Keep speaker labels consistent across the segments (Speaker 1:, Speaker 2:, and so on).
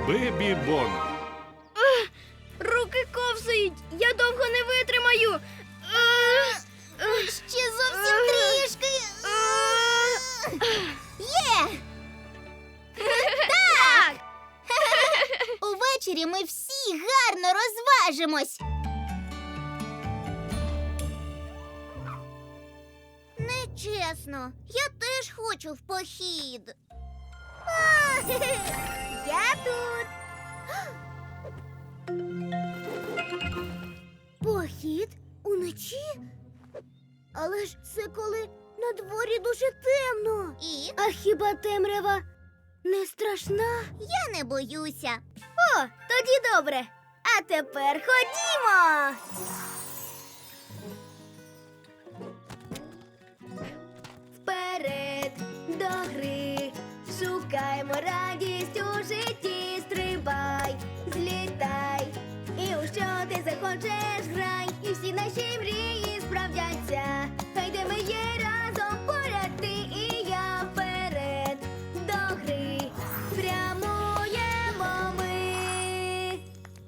Speaker 1: Бебі-бон.
Speaker 2: Руки ковзають, я довго не витримаю.
Speaker 3: Ще зовсім трішки. Є! Так! Увечері ми всі гарно розважимось. Нечесно. Я теж хочу в похід. Я тут. Похід? Уночі? Але ж це коли на дворі дуже темно. І?
Speaker 2: А хіба темрява не страшна?
Speaker 3: Я не боюся.
Speaker 2: О, тоді добре. А тепер ходімо. Вперед до гри, шукаймо радість у житті, стрибай, злітай, і у що ти захочеш грай, і всі наші мрії справдяться. Хай де ми є разом поряд ти і я, вперед до гри, прямуємо ми.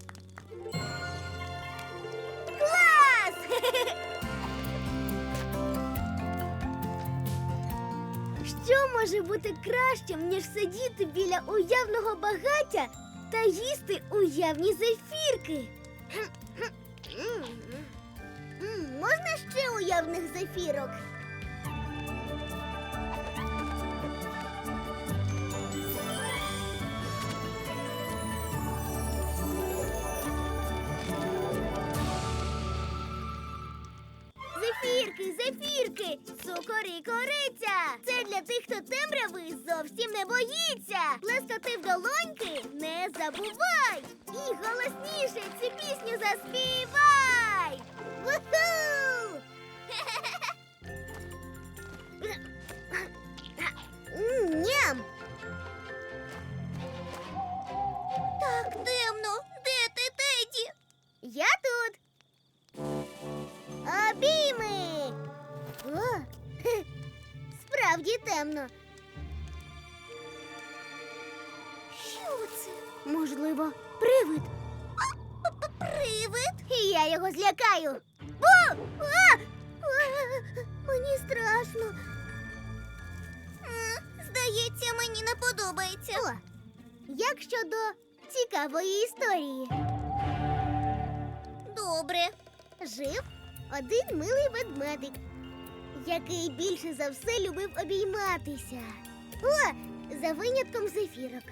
Speaker 3: Клас!
Speaker 2: Що може бути кращим, ніж сидіти біля уявного багаття та їсти уявні зефірки?
Speaker 3: Можна ще уявних зефірок? Зефірки, зефірки, цукор і кориця. Це для тих, хто темряви зовсім не боїться. Плескати в долоньки не забувай. І голосніше цю пісню заспівай. Вуху! Ням! Так темно. Де ти, Теді? Я тут. Обійми! О, справді темно. Що це?
Speaker 2: Можливо, привид?
Speaker 3: Привид? І я його злякаю. О! Мені страшно. Здається, мені не подобається. О, як щодо цікавої історії? Добре. Жив один милий ведмедик, який більше за все любив обійматися. О, за винятком зефірок.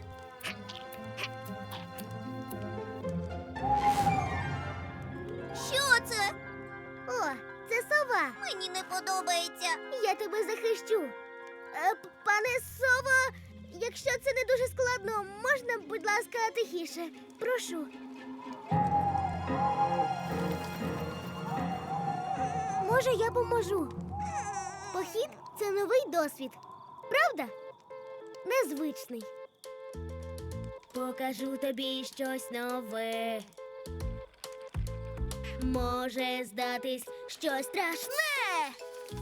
Speaker 3: Що це? О, це сова. Мені не подобається. Я тебе захищу. Пане сово, якщо це не дуже складно, можна, будь ласка, тихіше? Прошу. Може, я поможу. Похід – це новий досвід. Правда? Незвичний.
Speaker 2: Покажу тобі щось нове. Може здатись щось страшне.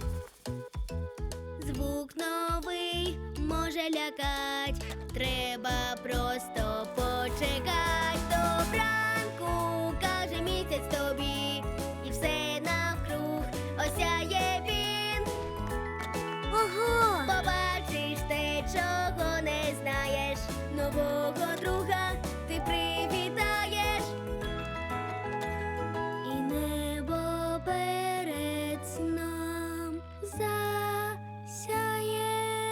Speaker 2: Звук новий може лякать. Треба просто почекать. Добранку, каже місяць тобі. І все навкруг осяє він.
Speaker 3: Ого!
Speaker 2: Побачиш те, чого не знаєш. Нового друга ти привітаєш. І небо перед сном засяє.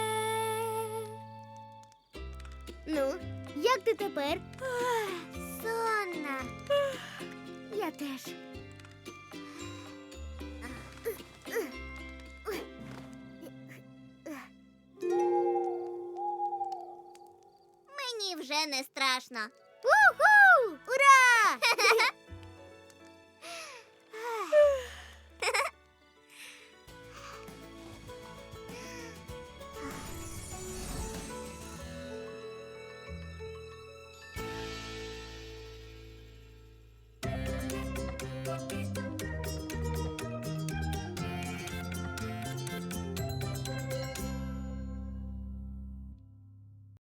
Speaker 3: Ну, як ти тепер? Сонна. Я теж. Мені вже не страшно. Уху! Ура!